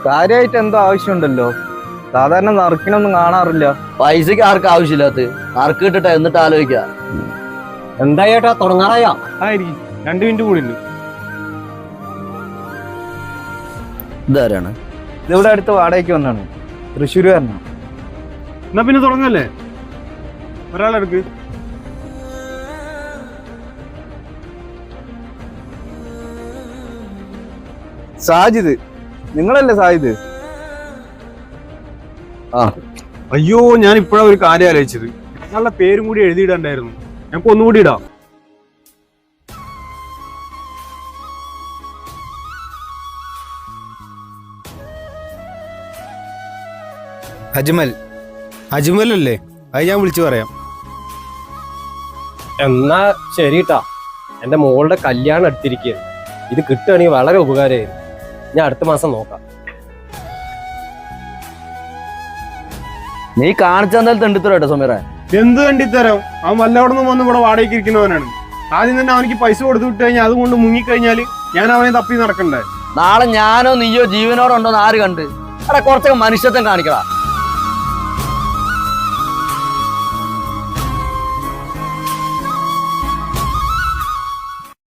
കാര്യമായിട്ട് എന്തോ ആവശ്യമുണ്ടല്ലോ. സാധാരണ നറുക്കിനൊന്നും കാണാറില്ല. പൈസക്ക് ആർക്കും ആവശ്യമില്ലാത്ത നറുക്ക് കിട്ടട്ടെ എന്നിട്ട് ആലോചിക്ക. എന്താ ചേട്ടാ തുടങ്ങാറായാ? ആയിരിക്കും 2 മിനിറ്റ് കൂടി ഉണ്ട്. ഇതാരാണ്? ഇതിവിടെ അടുത്ത് വാടകയ്ക്ക് വന്നാണ്. തൃശ്ശൂരുകാരനാണ്. എന്നാ പിന്നെ തുടങ്ങല്ലേ? ഒരാളെടുക്ക്. സാജിദ്, നിങ്ങളല്ലേ സാജിദ്? ആ അയ്യോ, ഞാൻ ഇപ്പോഴാ ഒരു കാര്യം ആലോചിച്ചത്. ഞങ്ങളുടെ പേരും കൂടി എഴുതിയിടണ്ടായിരുന്നു. ഞങ്ങൾക്ക് ഒന്നുകൂടി ഇടാം. അജ്മൽ അല്ലേ? അത് ഞാൻ വിളിച്ചു പറയാം. എന്നാ ശരിട്ടാ, എന്റെ മോളുടെ കല്യാണം എടുത്തിരിക്കുകയാണ്. ഇത് കിട്ടുകയാണെങ്കിൽ വളരെ ഉപകാരമായിരുന്നു. ഞാൻ അടുത്ത മാസം നോക്കാം. നീ കാണിച്ചെന്തായാലും തെണ്ടിത്തരോ കേട്ടോ സമീറ. എന്ത് കണ്ടിത്തരാം? അവൻ വല്ലവിടെ നിന്ന് വന്ന് ഇവിടെ വാടകയ്ക്ക് ഇരിക്കുന്നവനാണ്. ആദ്യം തന്നെ അവനിക്ക് പൈസ കൊടുത്തു വിട്ട് കഴിഞ്ഞാൽ അതുകൊണ്ട് മുങ്ങിക്കഴിഞ്ഞാൽ ഞാൻ അവനെ തപ്പി നടക്കണ്ടേ? നാളെ ഞാനോ നീയോ ജീവനോടുണ്ടോന്ന് ആര് കണ്ട്? എടാ കുറച്ചൊക്കെ മനുഷ്യത്വം കാണിക്കടാ.